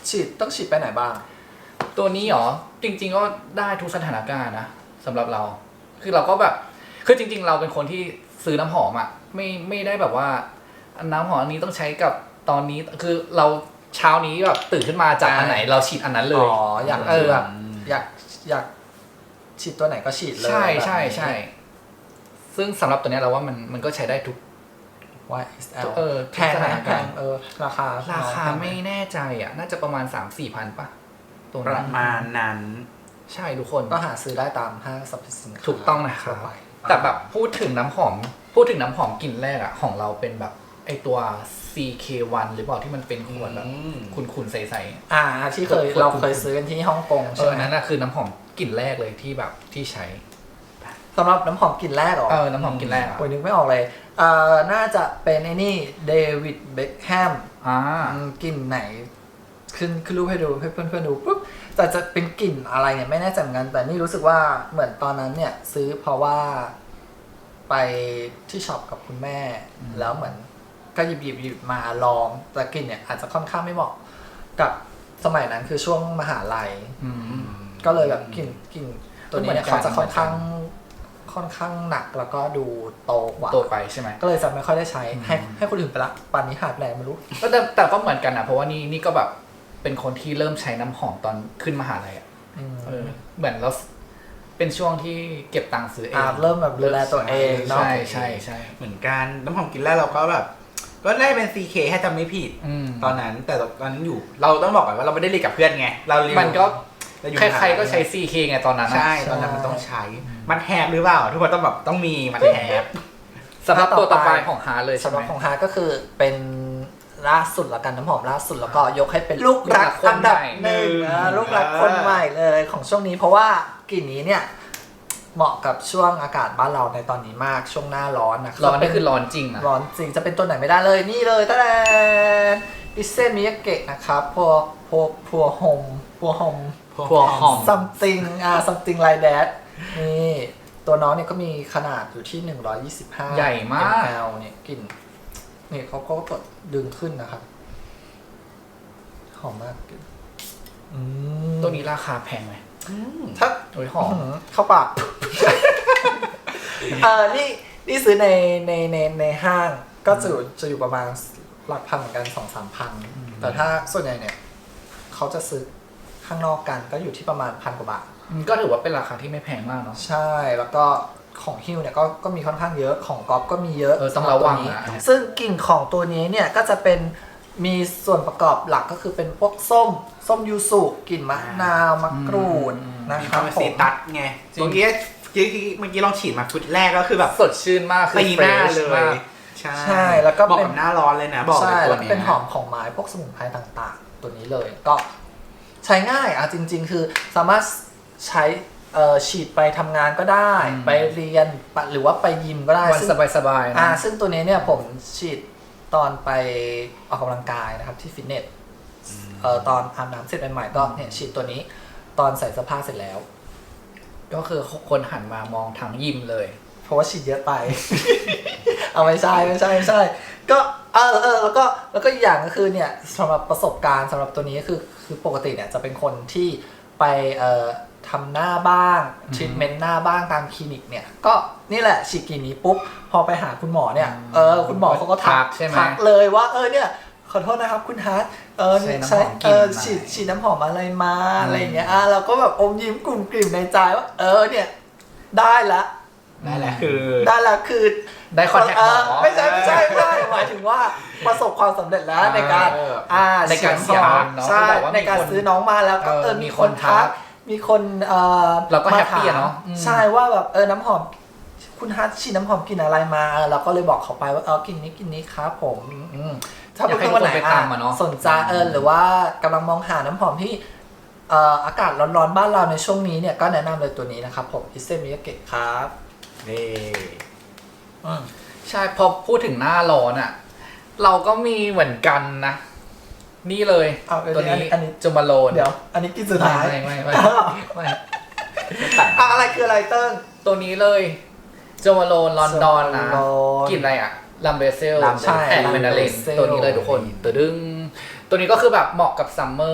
Speaker 2: ฉีดต้องฉีดไปไหนบ้าง
Speaker 3: ตัวนี้เหรอจริงๆก็ได้ทุกสถานการณ์นะสำหรับเราคือเราก็แบบคือจริงๆเราเป็นคนที่ซื้อน้ำหอมอ่ะไม่ไม่ได้แบบว่าน้ำหอมอันนี้ต้องใช้กับตอนนี้คือเราเช้านี้แบบตื่นขึ้นมาจากอันไหนเราฉีดอันนั้นเลย
Speaker 2: อ๋ออยาก
Speaker 3: เออ
Speaker 2: แบบอยากอยากฉีดตัวไหนก็ฉีดเลย
Speaker 3: ใช่ใช่ใช่ซึ่งสำหรับตัวนี้เราว่ามันมันก็ใช้ได้ทุก
Speaker 2: วาย เอส แอล
Speaker 3: เออ
Speaker 2: แพงไหมแพงเออราคา
Speaker 3: ราคาไม่แน่ใจอ่ะน่าจะประมาณ สามสี่พันป่ะตัว
Speaker 1: ประมาณนั้น
Speaker 3: ใช่ทุกคน
Speaker 2: ก็หาซื้อได้ตามห้างสรรพสินค้า
Speaker 3: ถูกต้องนะครับแต่แบบพูดถึงน้ำหอมพูดถึงน้ำหอมกลิ่นแรกอ่ะของเราเป็นแบบไอตัว ซี เค วัน หรือเปล่าที่มันเป็นขวดแบบขุ่นๆใสๆ
Speaker 2: อ่าที่เคยเราเคยซื้อกันที่ฮ่องกงใช่ไหม
Speaker 3: นั่นน่ะคือน้ำหอมกลิ่นแรกเลยที่แบบที่ใช้
Speaker 2: สำหรับน้ำหอมกลิ่นแรกหรอ
Speaker 3: เออน้ำหอมกลิ่นแรกอ่ะ
Speaker 2: โอ้ยนึกไม่ออกเลยเอ่อน่าจะเป็นไอ้นี่เดวิดเบ็คแฮม
Speaker 3: อ่าก
Speaker 2: ลิ่นไหนขึ้นขึ้นรูปให้ดูให้เพื่อนๆดูปุ๊บแต่จะเป็นกลิ่นอะไรเนี่ยไม่แน่ใจเหมือนกันแต่นี่รู้สึกว่าเหมือนตอนนั้นเนี่ยซื้อเพราะว่าไปที่ช็อปกับคุณแม่แล้วเหมือนก็หยิบหยิบหยิบมาลองแต่กลิ่นเนี่ยอาจจะค่อนข้างไม่เหมาะกับสมัยนั้นคือช่วงมหาลัยก็เลยแบบกลิ่นกลิ่นตัวนี้เนี่ยเขาจะค่อนข้างค่อนข้างหนักแล้วก็ดูโตกว่า
Speaker 3: โตไปใช่ไหม
Speaker 2: ก็เลยจะไม่ค่อยได้ใช้ให้ให้คนอื่นไปละป่านนี้หายไปไหนไม่รู้
Speaker 3: ก็แต่แต่ก็เหมือนกันนะเพราะว่านี่นี่ก็แบบเป็นคนที่เริ่มใช้น้ำหอมตอนขึ้นมหาลัยอ่ะเออเหมือนเราเป็นช่วงที่เก็บตังค์ซื้อเอง
Speaker 2: เริ่มแบบดูแลตัวเองเนาะ
Speaker 3: ใช่ใช่ใช่
Speaker 1: เหมือนกันน้ำหอมกลิ่นแรกเราก็แบบก็ได้เป็น ซี เค ให้จำไม่ผิดตอนนั้นแต่ตอนนั้นอยู่เราต้องบอกก่อนว่าเราไม่ได้เรียนกับเพื่อนไงเราเรียน
Speaker 3: มันก็ใครๆก็ใช้ ซี เค ไงตอนนั้น
Speaker 1: ใช่ตอนนั้นมันต้องใช้มันแฮปหรือเปล่าทุกคนต้องแบบต้องมีมันแฮป
Speaker 3: สำหรับตัวต่อไปของฮาร์เลย
Speaker 2: สำหรับของฮาร์ก็คือเป็นล่าสุดละกันน้ำหอมล่าสุดแล้วก็ยกให้เป็นลูกรักอันดับหนึ่งลูกรักคนใหม่เลยของช่วงนี้เพราะว่ากลิ่นนี้เนี่ยเหมาะกับช่วงอากาศบ้านเราในตอนนี้มากช่วงหน้าร้อนนะ
Speaker 3: ร้อนนี่คือร้อนจริงนะ
Speaker 2: ร้อนจริงจะเป็นตัวไหนไม่ได้เลยนี่เลยตะแดนอิเซมิยาเกะนะครับพวกพวกพัวโฮมพัวโฮม
Speaker 3: พัวหอม
Speaker 2: something อ่า something like that นี่ตัวน้องเนี่ยก็มีขนาดอยู่ที่หนึ่งร้อยยี่สิบห้า
Speaker 3: ใหญ่มาก
Speaker 2: แอลเนี่ยกลิ่นนี่เขาก็กดดึงขึ้นนะครับหอมมาก
Speaker 3: ตัวนี้ราคาแพงไหม
Speaker 2: ถ้า
Speaker 3: โอ้ยหอม
Speaker 2: เข้าปากเออนี่นี่ซื้อในในในในห้างก็จะจะอยู่ประมาณหลักพันเหมือนกันสองสามพันแต่ถ้าส่วนใหญ่เนี่ยเขาจะซื้อข้างนอกกันก็อยู่ที่ประมาณพันกว่าบาท
Speaker 3: ก็ถือว่าเป็นราคาที่ไม่แพงมากเนาะ
Speaker 2: ใช่แล้วก็ของฮิวเนี่ยก็ก็มีค่อนข้างเยอะของก๊อฟก็มีเยอะ
Speaker 3: เออต้องระวังนะ
Speaker 2: ซึ่งกลิ่นของตัวนี้เนี่ยก็จะเป็นมีส่วนประกอบหลักก็คือเป็นพวกส้มส้มยูสุกลิ่นมะนาวมะกรูดนะครับ
Speaker 1: ผมซีตัสไงเมื่อกี้เมื่อกี้ลองฉีดมาฟุตแรกก็คือแบบ
Speaker 3: สดชื่นมากคือ
Speaker 1: ตีหน้าเลย
Speaker 2: ใช่แล้วก็
Speaker 1: บอกกับหน้าร้อนเลยนะบอก
Speaker 2: เลยตัวนี้เป็นหอมของไม้พวกสมุนไพรต่างๆตัวนี้เลยก็ใช้ง่ายอ่ะจริงๆคือสามารถใช้ฉีดไปทำงานก็ได้ไปเรียนหรือว่าไปยิมก็ได้
Speaker 3: วันสบายๆนะ
Speaker 2: อ่าซึ่งตัวนี้เนี่ยผมฉีดตอนไปออกกำลังกายนะครับที่ฟิตเนสเอ่อตอนอาบน้ำเสร็จใหม่ๆก็เนี่ยฉีดตัวนี้ตอนใส่เสื้อผ้าเสร็จแล้ว
Speaker 3: ก็คือคนหันมามองทางยิมเลย
Speaker 2: เพราะว่าฉีดเยอะไป เอาไม่ใช่ไม่ใช่ไม่ใช่ก็เออเออแล้วก็แล้วก็อีกอย่างก็คือเนี่ยสำหรับประสบการณ์สำหรับตัวนี้คือคือปกติเนี่ยจะเป็นคนที่ไปเอ่อทำหน้าบ้างทรีทเมนต์หน้าบ้างตามคลินิกเนี่ยก็นี่แหละฉีดกลิ่นนี้ปุ๊บพอไปหาคุณหมอเนี่ยเออคุณหมอเขาก็ทักทักเลยว่าเออเนี่ยขอโทษนะครับคุณฮาร์ดเออใช้เออฉีดฉีดน้ำหอมอะไรมาอะไรอย่างเงี้ยอ่ะเราก็แบบอมยิ้มกลุ่มกลิ่มในใจว่าเออเนี่ยได้ละ
Speaker 1: ได้แล้วคือ
Speaker 2: ได้แล้วคือ
Speaker 3: ได้คอนแทคหมอ
Speaker 2: ไม่ใช่ไม่ใช่ไม่ใช่หมายถึงว่าประสบความสำเร็จแล้วในการอ่า
Speaker 3: ในการเสีย
Speaker 2: เนาะใช่ในการซื้อน้องมาแล้วก็เออมีคนทักมีคนเอ่อ
Speaker 3: เราก็แฮปปี้เนาะ
Speaker 2: ใช่ว่าแบบเออน้ำหอมคุณฮัทฉีดน้ำหอมกลิ่นอะไรมาเราก็เลยบอกเขาไปว่าเออกลิ่นนี้กลิ่นนี้ครับผมถ้าเพื่อนๆวันไหนสนใจเออหรือว่ากำลังมองหาน้ำหอมที่อากาศร้อนๆบ้านเราในช่วงนี้เนี่ยก็แนะนำเลยตัวนี้นะครับผมอิเซมิยาเกะครับ
Speaker 1: นี่
Speaker 3: ใช่พอพูดถึงหน้าร้อนอ่ะเราก็มีเหมือนกันนะนี่เลยตัวนี้
Speaker 2: อันนี้
Speaker 3: จูมาโลน
Speaker 2: เดี๋ยวอันนี้กินสุดท้าย
Speaker 3: ไม่ไม่ไม่ไม่
Speaker 2: อะไรคืออะไรเติ้ง
Speaker 3: ตัวนี้เลยจูมาโลนลอนดอนนะกลิ่นอะไรอ่ะลัมเบเซลแอนด์เมนาเลนตัวนี้เลยทุกคนตัวดึงตัวนี้ก็คือแบบเหมาะกับซัมเมอร์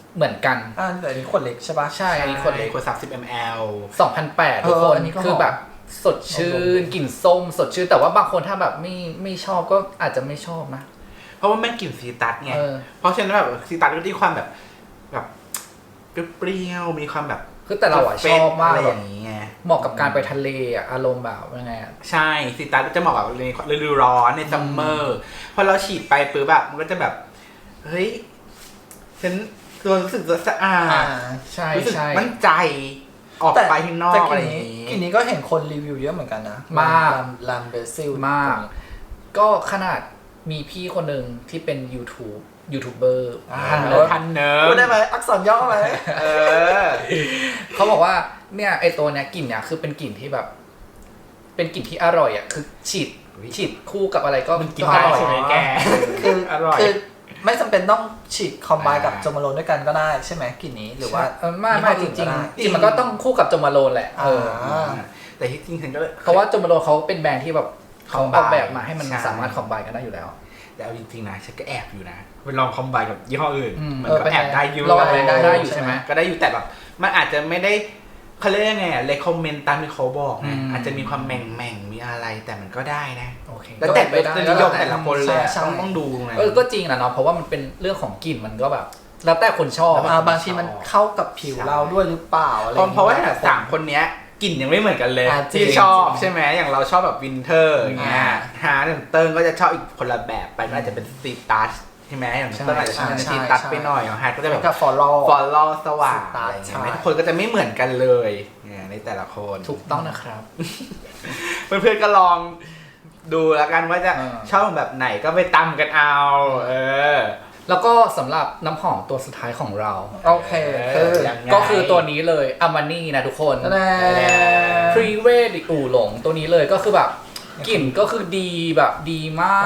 Speaker 3: เหมือนกัน
Speaker 2: อ่าแต่อันนี้ขวดเล็กใช่ปะ
Speaker 3: ใช่อันนี้คนเล็ก
Speaker 1: ขวดสามสิบมิลลิลิตร
Speaker 3: สองพันแปด
Speaker 2: เออ
Speaker 3: ทุกคน
Speaker 2: อันนี้ก็หอม
Speaker 3: คือแบบสดชื่นกลิ่นส้มสดชื่นแต่ว่าบางคนถ้าแบบไม่ไม่ชอบก็อาจจะไม่ชอบนะ
Speaker 1: เพราะว่าแม่งกลิ่นซีตัสไง
Speaker 3: เออ
Speaker 1: เพราะฉะนั้นแบบซีตัสก็ที่ความแบบแบบเปรี้ยวๆมีความแบบ
Speaker 3: คือแต่เราอะชอบมาก
Speaker 1: อะไร
Speaker 3: เล
Speaker 1: อย ย่างนี้ไง
Speaker 3: เหมาะกับการไปทะเลอะอารมณ์แบบยังไงอะ
Speaker 1: ใช่ซีตัสจะเหมาะกับในฤดูร้อนในซัมเมอร์พอเราฉีดไปปุ๊บแบบมันก็จะแบบเฮ้ยฉันตัวรู้สึกสะอา
Speaker 2: อ่า
Speaker 1: ด
Speaker 3: ใช่
Speaker 1: รู้สึก
Speaker 3: ใช่
Speaker 1: มั่นใจออกไปข้างนอก
Speaker 2: แต่
Speaker 1: อะไร
Speaker 2: ก
Speaker 1: อ
Speaker 2: ลิ่น
Speaker 1: ย่าง
Speaker 2: นี้
Speaker 1: นี้
Speaker 2: กลิ่นนี้ก็เห็นคนรีวิวเยอะเหมือนกันนะ
Speaker 3: มาก
Speaker 2: ลามเบซิล
Speaker 3: มาก ก็ขนาดมีพี่คนหนึ่งที่เป็น YouTube ยูทูบเบอร์
Speaker 1: ทันเน
Speaker 2: เอ
Speaker 1: อ
Speaker 2: อ
Speaker 1: ร์ทันเนอร์
Speaker 2: พูดได้ไหมอักษรย่อไหม
Speaker 1: เออ
Speaker 3: เขาบอกว่าเนี่ยไอตัวเนี้ยกลิ่นเนี่ยคือเป็นกลิ่นที่แบบ เป็นกลิ่นที่อร่อยอ่ะคือฉีดฉีดคู่กับอะไรก็
Speaker 1: มันกิน
Speaker 3: อ
Speaker 1: ได้
Speaker 3: ร่อย
Speaker 1: ใช่ไหมแก
Speaker 2: คือ
Speaker 1: อร่อย
Speaker 2: คือไม่จำเป็นต้องฉีดคอมไบกับ
Speaker 1: อ่า
Speaker 2: โจมาโลนด้วยกันก็ได้ใช่ไหมกลิ่นนี้หรือว่า
Speaker 3: เออไม่ไม่จ
Speaker 2: ยี่
Speaker 3: ริง
Speaker 2: ห้ออื่นก็ได้
Speaker 3: ๆจริงมันก็ต้องคู่กับโจมาโลนแหละเออ
Speaker 2: อ่า
Speaker 1: แต่ที่จริงฉันก็เลย
Speaker 3: เพราะว่าโจมาโลนเขาเป็นแบรนด์ที่แบบเขาอ
Speaker 1: Combine
Speaker 3: อกแบบมาให้มัน
Speaker 1: ใช่
Speaker 3: สามารถคอมไบกันได้อยู่แล้ว
Speaker 1: แต่เอาจริงๆนะฉันก็แอบอยู่นะไปลองคอมไบกับยี่ห้ออื่น
Speaker 3: อืม
Speaker 1: มัน
Speaker 2: เออ
Speaker 1: ก็
Speaker 2: เป็นไง
Speaker 1: แอบได้อยู่
Speaker 3: ลองอะไรได้ได้อยู่ใช่ไหม
Speaker 1: ก็ได้อยู่แต่แบบมันอาจจะไม่ได้เขาเรียกยังไงอะเลคคอมเมนต์ตามที่เขาบอก
Speaker 3: อื
Speaker 1: นะ
Speaker 3: ม
Speaker 1: อาจจะมีความแหม่งแม่งๆมีอะไรแต่มันก็ได้นะ
Speaker 3: โอเค
Speaker 1: แล้วแต่
Speaker 3: ก็
Speaker 1: ร
Speaker 3: เป็น
Speaker 1: ส
Speaker 3: ไป
Speaker 1: นิ
Speaker 3: ได้
Speaker 1: ยมแต่ละคนเลยอะ
Speaker 2: ใช่
Speaker 1: ต้องต้องดูนะ
Speaker 3: เออก็จริงนะเนาะเพราะว่ามันเป็นเรื่องของกลิ่นมันก็แบบ แล้วแต่คนชอบ
Speaker 2: อ่าบางทีมันเข้ากับผิวเราด้วยหรือเปล่าอะไร
Speaker 1: เพราะเพราะว่า
Speaker 2: อย่งงี้ย
Speaker 1: สามคนเนี้ยกลิ่นยังไม่เหมือนกันเลย
Speaker 2: อ่าจริง
Speaker 1: ที่ชอบ
Speaker 2: จริง
Speaker 1: ใช่ไหมอย่างเราชอบแบบวินเทอร์อย่างเงี้ย
Speaker 2: อ่า
Speaker 1: ฮาร์ดเติ้งก็จะชอบอีกคนละแบบไปก็อาจจะเป็นสตรีทตัชใช่ไหมอย่าง
Speaker 3: ใช่
Speaker 1: เติ้งอาจจะชอบ
Speaker 2: ใช่
Speaker 1: สตรีทตัช
Speaker 2: ใช่
Speaker 1: ไปหน่อยอย่างฮาร์ดก็จะ
Speaker 2: แบ
Speaker 1: แบบ บ
Speaker 2: กับฟอลโล่
Speaker 1: ฟอลลอสว่าง
Speaker 2: สตาร์
Speaker 1: อะไร
Speaker 2: ท
Speaker 1: อย่างเงี้ย
Speaker 2: ใช่
Speaker 1: ทุกคนก็จะไม่เหมือนกันเลยเนี่ยในแต่ละคน
Speaker 3: ถูกต้องนะครับ
Speaker 1: เพื่อนๆก็ลองดูแล้วกันว่าจะ
Speaker 3: เออ
Speaker 1: ชอบแบบไหนก็ไปตำกันเอา เออ
Speaker 3: แล้วก็สำหรับน้ำหอมตัวสุดท้ายของเรา
Speaker 2: โอเคคือ
Speaker 1: ยังไง
Speaker 3: ก็คือตัวนี้เลยอามานี่นะทุกคน
Speaker 2: แน่
Speaker 3: พรีเวดอู่หลงตัวนี้เลยก็คือแบบกลิ่นก็คือดีแบบดีมาก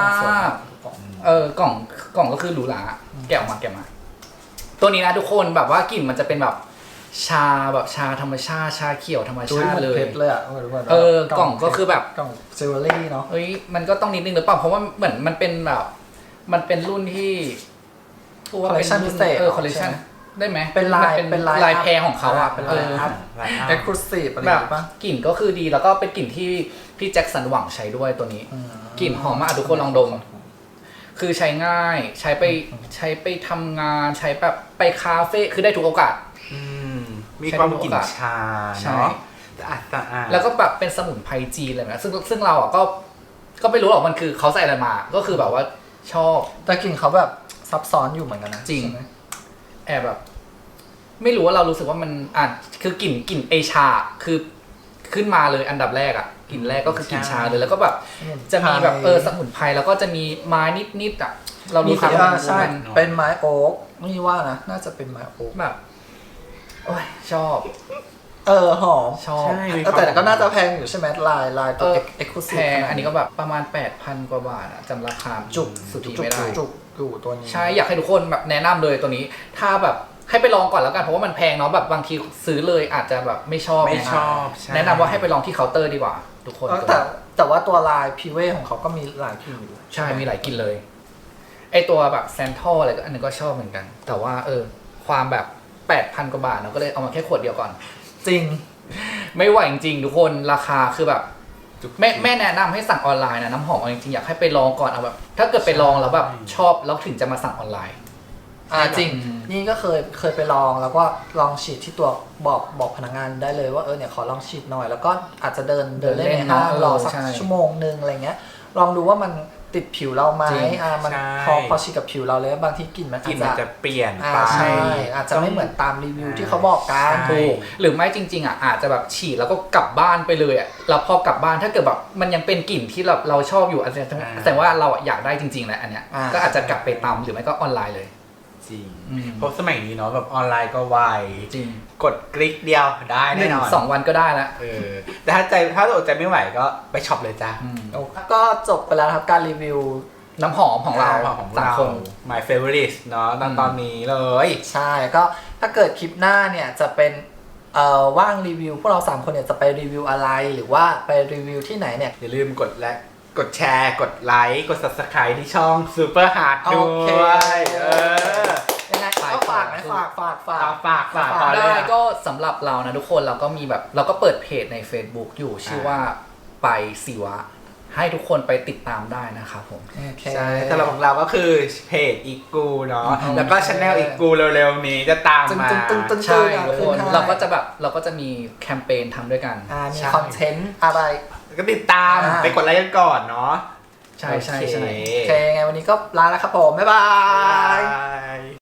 Speaker 3: เออกล่องกล่องก็คือหรูหราแกะออกมาแกะมา ตัวนี้นะทุกคนแบบว่ากลิ่นมันจะเป็นแบบชาแบบชาธรรมชาติชาเขียวธรรม
Speaker 2: จุ้ย
Speaker 3: ชา
Speaker 2: หม
Speaker 3: ติ
Speaker 2: ก
Speaker 3: เล
Speaker 2: เพ
Speaker 3: ย
Speaker 2: ชรเลยอ่ะทุกคน
Speaker 3: เออกล่องก็คือแบบ
Speaker 2: กล่องจิวเวลรี่เนาะ
Speaker 3: เฮ้ยมันก็ต้องนิดนึงหรือเปล่าเพราะว่าเหมือนมันเป็นแบบ มันเป็นรุ่นที่
Speaker 2: คอลเลคชันพิเศษ
Speaker 3: เออคอลเลคชันได้ไหม
Speaker 2: เป็นลาย
Speaker 3: มั
Speaker 2: เป็นลาย
Speaker 3: ลายแพรของเขาอ่ะ
Speaker 2: เป็น
Speaker 3: เอ
Speaker 2: ลาย
Speaker 3: อ
Speaker 2: อัพ
Speaker 1: แบบ
Speaker 2: เอ็กซ์คลูซีฟอะไรอ
Speaker 3: แบ
Speaker 2: ย่าง
Speaker 3: บ
Speaker 2: งี้ปะ
Speaker 3: กลิ่นก็คือดีแล้วก็เป็นกลิ่นที่พี่แจ็คสันหวังใช้ด้วยตัวนี้
Speaker 2: อืม
Speaker 3: กลิ่นหอมมากทุกคนลองดม คือใช้ง่ายใช้ไปใช้ไปทำงานใช้แบบไปคาเฟ่คือได้ทุกโอกาส
Speaker 1: อืมมีความกลิ่นชา
Speaker 3: ใช่
Speaker 1: เนาะสะอาดสะอาด
Speaker 3: แล้วก็แบบเป็นสมุนไพรจีนเลยนะซึ่งซึ่งเราอ่ะก็ ก็ไม่รู้หรอกมันคือเขาใส่อะไรมา ก็คือแบบว่าชอบ
Speaker 2: แต่กลิ่นเขาแบบซับซ้อนอยู่เหมือนกันนะ
Speaker 3: จริง
Speaker 2: ใช่ไหม
Speaker 3: แอบแบบ ไม่รู้ว่าเรารู้สึกว่ามันอ่ะคือกลิ่นกลิ่นเอชาคือขึ้นมาเลยอันดับแรกอ่ะกลิ่นแรกก็คือกลิ่นชาเลยแล้วก็แบบ จะมีแบบเออสมุนไพรแล้วก็จะมีไม้นิดๆอ่ะเรา
Speaker 2: มี
Speaker 3: รู้สึก
Speaker 2: อ่า
Speaker 3: ว่ามัน
Speaker 2: ใช่
Speaker 3: มัน
Speaker 2: เป็นไม้โอ๊กนี่ว่านะน่าจะเป็นไม้โอ๊ก
Speaker 3: แบบโอ้ยชอบ
Speaker 2: เออหอม
Speaker 3: ชอบ
Speaker 1: ใช่มี
Speaker 2: เออแต่ก็น่าจะแพงอยู่ใช่ไหมลายลายตัว
Speaker 3: เออ
Speaker 2: เอ็กซ์คลูซี
Speaker 3: แพ
Speaker 2: ฟ
Speaker 3: งอันนี้ก็แบบประมาณ แปดพัน กว่าบาทอะจำราคา
Speaker 2: จุก
Speaker 3: สุทธิ
Speaker 2: จุก
Speaker 3: ไม่ได้
Speaker 2: จุกอยู่ตัวนี้
Speaker 3: ใช่อยากให้ทุกคนแบบแนะนำเลยตัวนี้ ถ้าแบบให้ไปลองก่อนแล้วกันเพราะว่ามันแพงเนาะแบบบางทีซื้อเลยอาจจะแบบไม่ชอบ
Speaker 1: ไม่ชอบ
Speaker 3: นะ
Speaker 1: ใช่
Speaker 3: แนะนำว่าให้ไปลองที่เคาน์เตอร์ดีกว่า ทุกคน
Speaker 2: เออแต่แต่ว่าตัวลายพีเวของเขาก็มีหลายกลิ่นอยู่
Speaker 3: ใช่มีหลายกลิ่นเลยไอตัวแบบแซนทอลอะไรก็อันนึงก็ชอบเหมือนกัน แต่ว่าเออความแบบ แปดพัน กว่าบาทเราก็เลยเอามาแค่ขวดเดียวก่อน
Speaker 2: จริง
Speaker 3: ไม่ไหวจริงๆทุกคนราคาคือแบบแม่แม่แนะนำให้สั่งออนไลน์นะน้ำหอมเอาจริงๆอยากให้ไปลองก่อนเอาแบบถ้าเกิดไปลองแล้วแบบชอบแล้วถึงจะมาสั่งออนไลน์
Speaker 2: อ่าจริง
Speaker 3: อืม
Speaker 2: นี่ก็เคยเคยไปลองแล้วก็ลองฉีดที่ตัวบอกบอกพนักงานได้เลยว่าเออเนี่ยขอลองฉีดหน่อย แล้วก็อาจจะเดินเดินเล่นในห้างรอสักชั่วโมงนึงอะไรเงี้ยลองดูว่ามันติดผิวเราไหมอ่ามันพอพอฉีดกับผิวเราเลยบางทีกลิ่นมัน
Speaker 1: กลิ่น
Speaker 2: อา
Speaker 1: มัน
Speaker 2: จจะ
Speaker 1: จะเปลี่ยน
Speaker 2: อ่า
Speaker 1: ไป
Speaker 2: ใช่อาจจะไม่เหมือนตามรีวิวที่เขาบอกกัน
Speaker 1: ใช่
Speaker 3: ถูกหรือไม่จริงๆอ่ะอาจจะแบบฉีดแล้วก็กลับบ้านไปเลยอ่ะแล้วพอกลับบ้านถ้าเกิดแบบมันยังเป็นกลิ่นที่เราเราชอบอยู่อาจจะแต่ว่าเราอะอยากได้จริงๆแหละอันเนี้ย
Speaker 2: อ่า
Speaker 3: ก็อาจจะกลับไปตามหรือไม่ก็ออนไลน์เลย
Speaker 1: จริง
Speaker 3: อืม
Speaker 1: เพราะสมัยนี้เนาะแบบออนไลน์ก็ไว
Speaker 3: จริง
Speaker 1: กดคลิกเดียวได้
Speaker 3: ห
Speaker 1: แน่
Speaker 3: นึ่ง
Speaker 1: นอน
Speaker 3: สองวันก็ได้แล้ว
Speaker 1: เออแต่ถ้าใจถ้าอดใจไม่ไหวก็ไปช็อปเลยจ้า
Speaker 2: ก็จบไปแล้วครับการรีวิว
Speaker 3: น้ำหอมของเรา
Speaker 1: ของ
Speaker 3: สาม
Speaker 1: เรา
Speaker 3: คน
Speaker 1: my favorite เนาะตอน
Speaker 3: อืม
Speaker 1: ตอนนี้เลย
Speaker 2: ใช่ก็ถ้าเกิดคลิปหน้าเนี่ยจะเป็นเอ่อว่างรีวิวพวกเราสามคนเนี่ยจะไปรีวิวอะไรหรือว่าไปรีวิวที่ไหนเนี่ย
Speaker 1: อย่าลืมกดและกดแชร์กดไลค์กด subscribe ที่ช่อง Super Hard
Speaker 2: โอ
Speaker 1: ด้
Speaker 2: เค
Speaker 1: วยเออ
Speaker 2: ยังไงก็ฝากนะฝฝากฝากฝาก
Speaker 1: ฝากฝากฝาก
Speaker 2: ฝาก
Speaker 1: ต่อเลย
Speaker 3: ได้
Speaker 1: อะ
Speaker 3: ก็สำหรับเรานะทุกคนเราก็มีแบบเราก็เปิดเพจใน Facebook อยู่ชื่อว่าไปศิวะให้ทุกคนไปติดตามได้นะครับผม
Speaker 2: โอเค
Speaker 1: ใช่สำหรับของเราก็คือเพจอีกูเนาะ
Speaker 2: อืม
Speaker 1: แล้วก็ช anel อีกูเร็วๆนี้จะตาม
Speaker 2: ตึ้ง
Speaker 1: มา
Speaker 2: ตึ้งตึ้งตึ้ง
Speaker 3: ใช่
Speaker 2: อ่ะ
Speaker 3: ทุกคน
Speaker 2: ขึ้นให้
Speaker 3: เราก็จะแบบเราก็จะมีแคมเปญทำด้วยกัน
Speaker 2: อ่ามี
Speaker 1: ใช่
Speaker 2: คอนเทนต์อะไร
Speaker 1: ก็ติดตาม
Speaker 2: อ่า
Speaker 1: ไปกดไลค์กันก่อนเนาะ
Speaker 3: ใช่ใช่ใช่
Speaker 1: โอเค
Speaker 2: โอเคไงวันนี้ก็ลาแล้วครับผม บ๊ายบา
Speaker 1: บาย ย